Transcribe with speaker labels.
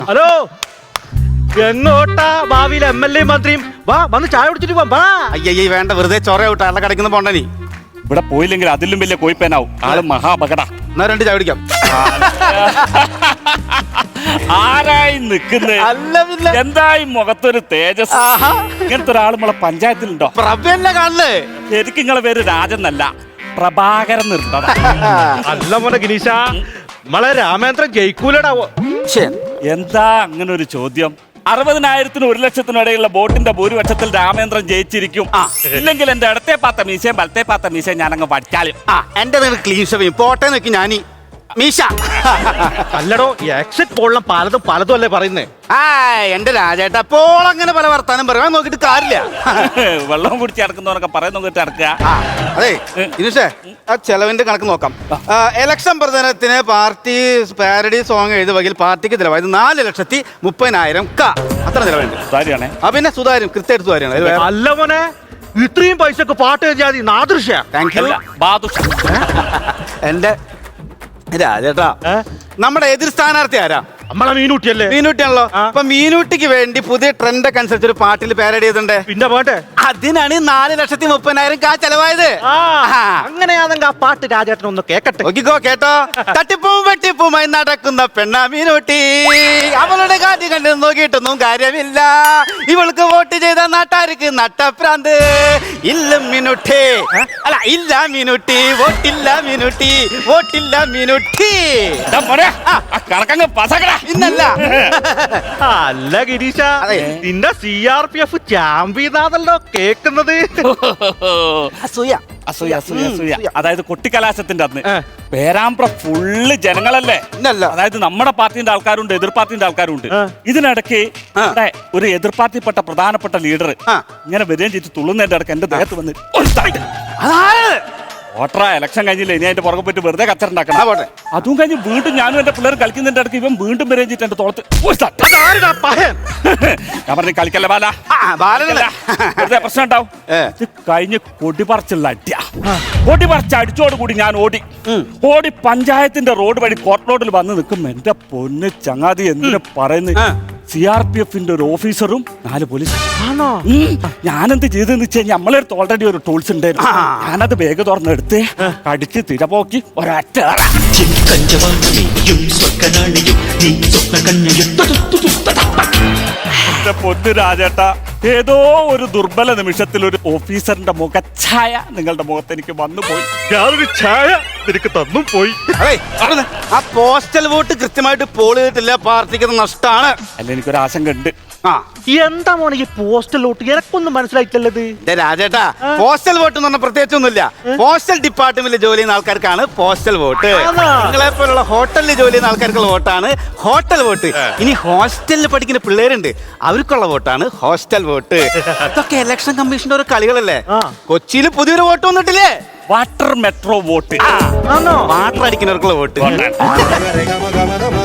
Speaker 1: Hello, എങ്ങോട്ടാ ഭാവിയിലെ MLA മന്ത്രിയും? വാ, വന്ന് ചായ കുടിച്ചിട്ട് പോവാം. വാ.
Speaker 2: അയ്യയ്യ വേണ്ട, വെറുതെ ചൊറ വിട്ടാ അല്ല കടക്കുന്ന പോണ്ടനി.
Speaker 3: ഇവിടെ പോയില്ലെങ്കിൽ അതിലും വലിയ കോയിപ്പേനാവും. ആള് മഹാപകട.
Speaker 2: എന്നാ 2 ചായ കുടിക്കാം.
Speaker 3: ആരായി നിൽക്കുന്നത്?
Speaker 2: അല്ല പിന്നെ
Speaker 3: എന്തായി മുഖത്തൊരു തേജസ്. ഇങ്ങനത്തെ ഒരാൾ നമ്മളെ പഞ്ചായത്തിലുണ്ടോ?
Speaker 2: പ്രഭ്യല്ലേ കാണുന്നേ.
Speaker 3: ശരിക്കും നിങ്ങളെ പേര് രാജന്നല്ല, പ്രഭാകരൻ നിർത്തത.
Speaker 1: അല്ല മോനെ ഗിരീശ, നമ്മളെ രാമേന്ദ്രൻ ജയിക്കൂലടാവോ?
Speaker 3: എന്താ അങ്ങനെ ഒരു ചോദ്യം? 60,000-നും 1,00,000-നും ഇടയിലുള്ള വോട്ടിന്റെ ഭൂരിപക്ഷത്തിൽ രാമേന്ദ്രൻ ജയിച്ചിരിക്കും. ഇല്ലെങ്കിൽ എന്റെ ഇടത്തെ പാത്ത മീശയും വലത്തെ പാത്ത മീശയും ഞാനങ്ങ് പഠിച്ചാലും.
Speaker 2: എന്റെ ക്ലീൻ ഷവയും പോട്ടെ നോക്കി ഞാനീ മീശ.
Speaker 1: അല്ലടോ, എക്സിറ്റ് പോളിലും പലതും അല്ലേ പറയുന്നേ?
Speaker 2: എന്റെ രാജേട്ട അപ്പോൾ അങ്ങനെ പല വർത്താനം പറയാൻ നോക്കിട്ട് കാര്യമില്ല.
Speaker 3: വെള്ളം കുടിച്ച് നടക്കുന്നവരൊക്കെ പറയുന്ന നോക്കിട്ട് നടക്കുക.
Speaker 2: അതെ ഇനുഷേ, ആ ചെലവിന്റെ കണക്ക് നോക്കാം. ഇലക്ഷൻ പ്രചരണത്തിന് പാർട്ടി പാരഡി സോങ് എഴുതിയ വകയിൽ പാർട്ടിക്ക് ചിലവായത് 4,30,000 അത്ര ചിലവുണ്ട്.
Speaker 3: കാര്യമാണേ.
Speaker 2: പിന്നെ സുതാര്യം, കൃത്യമായിട്ട് സുതാര്യമാണ്.
Speaker 1: അല്ല മോനെ, ഇത്രയും പൈസക്ക് പാട്ട് എഴുതിയാതി നാദൃശ്യ.
Speaker 2: Thank you.
Speaker 3: ബാദുഷ.
Speaker 2: എന്റെ രാജേട്ടാ, നമ്മുടെ എതിർ സ്ഥാനാർത്ഥി ആരാ?
Speaker 1: നമ്മളെ മീനൂട്ടിയല്ലേ?
Speaker 2: മീനൂട്ടിയാണല്ലോ. അപ്പൊ മീനൂട്ടിക്ക് വേണ്ടി പുതിയ ട്രെൻഡ് ഒക്കെ അനുസരിച്ച് ഒരു പാട്ടിൽ പാരഡി ചെയ്തിട്ടുണ്ട്.
Speaker 1: പിന്നെ പോട്ടെ,
Speaker 2: അതിനാണ് 4,30,000 ചെലവായത്.
Speaker 1: അങ്ങനെയാണെങ്കിൽ ആ പാട്ട് രാജേട്ടൻ ഒന്ന് കേക്കട്ടെ.
Speaker 2: നോക്കിക്കോ, കേട്ടോ. തട്ടിപ്പും വെട്ടിപ്പുമായി നടക്കുന്ന പെണ്ണ മീനൂട്ടി, അവളുടെ കാര്യം കണ്ട് നോക്കിയിട്ടൊന്നും കാര്യമില്ല. ഇവൾക്ക് വോട്ട് ചെയ്ത നാട്ടാർക്ക് നട്ടപ്രാന്ത്. ഇല്ല മീനൂട്ടി, അല്ല ഇല്ല മീനൂട്ടി, വോട്ടില്ല മീനൂട്ടി, വോട്ടില്ല മീനൂട്ടി.
Speaker 3: കണക്കങ്ങ് പസകട.
Speaker 2: ഇന്നല്ല.
Speaker 1: അല്ല ഗിരീശ, നിന്റെ CRPF ചാമ്പ്യനാണല്ലോ കേക്കുന്നത്.
Speaker 2: അസൂയ.
Speaker 3: അസൂയ അസൂയ അസൂയ. അതായത് കൊട്ടിക്കലാശത്തിന്റെ അന്ന് പേരാമ്പ്ര ഫുള്ള് ജനങ്ങളല്ലേ? അതായത് നമ്മുടെ പാർട്ടിന്റെ ആൾക്കാരുണ്ട്, എതിർ പാർട്ടിന്റെ ആൾക്കാരുണ്ട്. ഇതിനിടയ്ക്ക് ഒരു എതിർ പാർട്ടിപ്പെട്ട പ്രധാനപ്പെട്ട ലീഡർ ഇങ്ങനെ വരികയും ചെയ്ത് തുള്ളുന്നതിന്റെ ഇടയ്ക്ക് എന്റെ ദേഹത്ത് വന്ന് വോട്ടറാ ഇലക്ഷൻ കഴിഞ്ഞില്ല, ഇനി അതിന്റെ പുറകെ പോയിട്ട് വെറുതെ കച്ചറുണ്ടാക്കണം. അതും കഴിഞ്ഞ് വീണ്ടും ഞാനും എന്റെ പിള്ളേർ കളിക്കുന്നതിന്റെ ഇടയ്ക്ക് ഇവൻ വീണ്ടും വരികയും ചെയ്തിട്ട് എന്റെ തോളത്ത് ഞാൻ പറഞ്ഞു കളിക്കല്ലേ ബാല, വെറുതെ പ്രശ്നം ഉണ്ടാവും. ഇത് കഴിഞ്ഞ് കൊടിപറിച്ചുള്ള അടിയ. കൊടിപറിച്ച് അടിച്ചോടുകൂടി ഞാൻ ഓടി പഞ്ചായത്തിന്റെ റോഡ് വഴി കോർട്ട് റോഡിൽ വന്ന് നിൽക്കും. എന്റെ പൊന്ന് ചങ്ങാതി, എന്തിനു പറയുന്നു, CRPFന്റെ ഒരു ഓഫീസറും 4 പോലീസ്. ഞാനെന്ത് ചെയ്തെന്ന് വെച്ച് കഴിഞ്ഞാൽ നമ്മളെ അടുത്ത് ഓൾറെഡി ഒരു ടൂൾസ് ഉണ്ടായിരുന്നു. ഞാനത് ബാഗ് തുറന്നെടുത്ത് കടിച്ച് തിരപോക്കി ഒരൊറ്റ. പൊന്നു രാജേട്ട, ഏതോ ഒരു ദുർബല നിമിഷത്തിൽ ഒരു ഓഫീസറിന്റെ മുഖഛായ നിങ്ങളുടെ മുഖത്ത് എനിക്ക് വന്നുപോയി.
Speaker 1: ഞാനൊരു ഛായ നിനക്ക് തന്നും പോയി.
Speaker 2: ആ പോസ്റ്റൽ വോട്ട് കൃത്യമായിട്ട് പോൾ ചെയ്തിട്ടില്ല, പാർട്ടിക്ക് നഷ്ടമാണ്.
Speaker 3: അല്ല, എനിക്കൊരു ആശങ്ക ഉണ്ട്.
Speaker 1: എന്താ മോനെ ഈ പോസ്റ്റൽ വോട്ട്? എനക്കൊന്നും മനസ്സിലായിട്ടല്ലത്.
Speaker 2: രാജേട്ടാ, പോസ്റ്റൽ വോട്ട് എന്ന് പറഞ്ഞാൽ പ്രത്യേകിച്ചൊന്നുമില്ല. പോസ്റ്റൽ ഡിപ്പാർട്ട്മെന്റിൽ ജോലി ചെയ്യുന്ന ആൾക്കാർക്കാണ് പോസ്റ്റൽ വോട്ട്. നിങ്ങളെ പോലുള്ള ഹോട്ടലിൽ ജോലി ചെയ്യുന്ന ആൾക്കാർക്കുള്ള വോട്ടാണ് ഹോട്ടൽ വോട്ട്. ഇനി ഹോസ്റ്റലിൽ പഠിക്കുന്ന പിള്ളേരുണ്ട്, അവർക്കുള്ള വോട്ടാണ് ഹോസ്റ്റൽ വോട്ട്. ഇതൊക്കെ ഇലക്ഷൻ കമ്മീഷന്റെ ഒരു കളികളല്ലേ. കൊച്ചിയിൽ പുതിയൊരു വോട്ട് വന്നിട്ടില്ലേ?
Speaker 3: Water metro vote.
Speaker 2: വാട്ടർ അടിക്കുന്നവർക്കുള്ള വോട്ട്.